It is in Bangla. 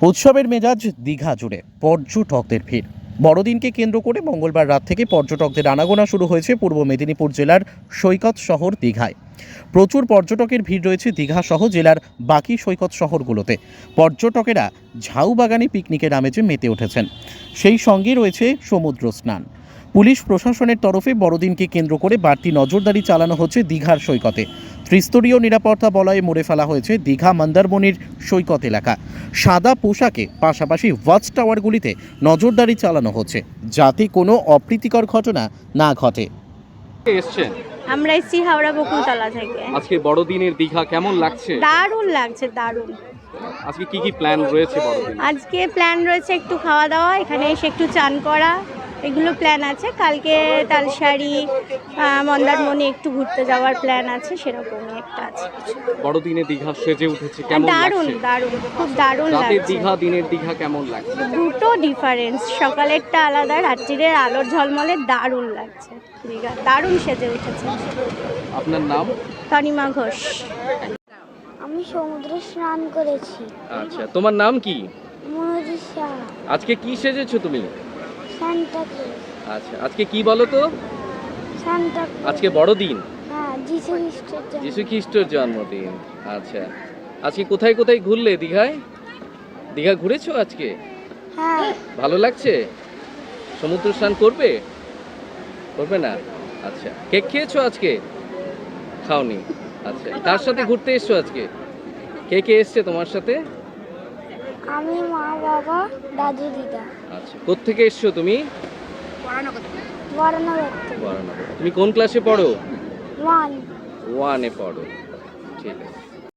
উৎসবের মেজাজ দীঘা জুড়ে পর্যটকদের ভিড়। বড়দিনকে কেন্দ্র করে মঙ্গলবার রাত থেকে পর্যটকদের আনাগোনা শুরু হয়েছে পূর্ব মেদিনীপুর জেলার সৈকত শহর দীঘায়। প্রচুর পর্যটকের ভিড় রয়েছে দীঘা সহ জেলার বাকি সৈকত শহরগুলোতে। পর্যটকেরা ঝাউবাগানে পিকনিকের আমেজে মেতে উঠেছেন। সেই সঙ্গে রয়েছে সমুদ্র স্নান। পুলিশ প্রশাসনের তরফে বড়দিনকে কেন্দ্র করে বাড়তি নজরদারি চালানো হচ্ছে দীঘার সৈকতে। ত্রিস্তরীয় নিরাপত্তা বলয়ে মুড়ে ফেলা হয়েছে দীঘা মন্দারমণির সৈকত এলাকা। সাদা পোশাকে পাশাপাশি ওয়াচ টাওয়ারগুলিতে নজরদারি চালানো হচ্ছে, যাতে কোনো অপ্রীতিকর ঘটনা না ঘটে। এসছেন? আমরা এসছি হাওড়া বকুলতলা থেকে। আজকে বড়দিনের দীঘা কেমন লাগছে? দারুণ লাগছে, দারুণ। আজকে কি কি প্ল্যান রয়েছে বড়দিন? আজকে প্ল্যান রয়েছে একটু খাওয়া দাওয়া, এখানে এসে একটু চান করা, এগুলো প্ল্যান আছে। কালকে তালসারি, মন্দারমণি একটু ঘুরতে যাওয়ার প্ল্যান আছে, সেরকমই একটা আছে। বড়দিনে দীঘা সেজে উঠেছে, কেমন দারুণ লাগছে? দারুণ, খুব দারুণ রাতের লাগছে। দীঘা দিনের দীঘা কেমন লাগছে? দুটো ডিফারেন্স, সকালেরটা আলাদা, রাত্রিরের আলোর ঝলমলে দারুণ লাগছে। দীঘা দারুণ সেজে উঠেছে। আপনার নাম? তনিমা ঘোষ। আমি সমুদ্রে স্নান করেছি। আচ্ছা, তোমার নাম কি? মনোজিশা। আজকে কি সেজেছো তুমি? Santa Claus. আচ্ছা, আজকে কি বলো তো? Santa Claus. আজকে বড়দিন, হ্যাঁ, যিশু খ্রিস্টের জন্ম। যিশু খ্রিস্টের জন্মদিন। আচ্ছা, আজকে কোথায় কোথায় ঘুরলে দীঘায়? দীঘা ঘুরেছো আজকে? হ্যাঁ, ভালো লাগছে? সমুদ্র স্নান করবে? করবে না? আচ্ছা, কেক খেয়েছো আজকে? খাওনি? আচ্ছা, কার সাথে ঘুরতে এসছো আজকে? কে কে এসছে তোমার সাথে? আমি, মা, বাবা, দাদু, দিদা। আচ্ছা, কোত্থেকে এসছো তুমি? বরানগর থেকে। বরানগর। তুমি কোন ক্লাসে পড়ো? 1। 1-এ পড়ো। ঠিক আছে।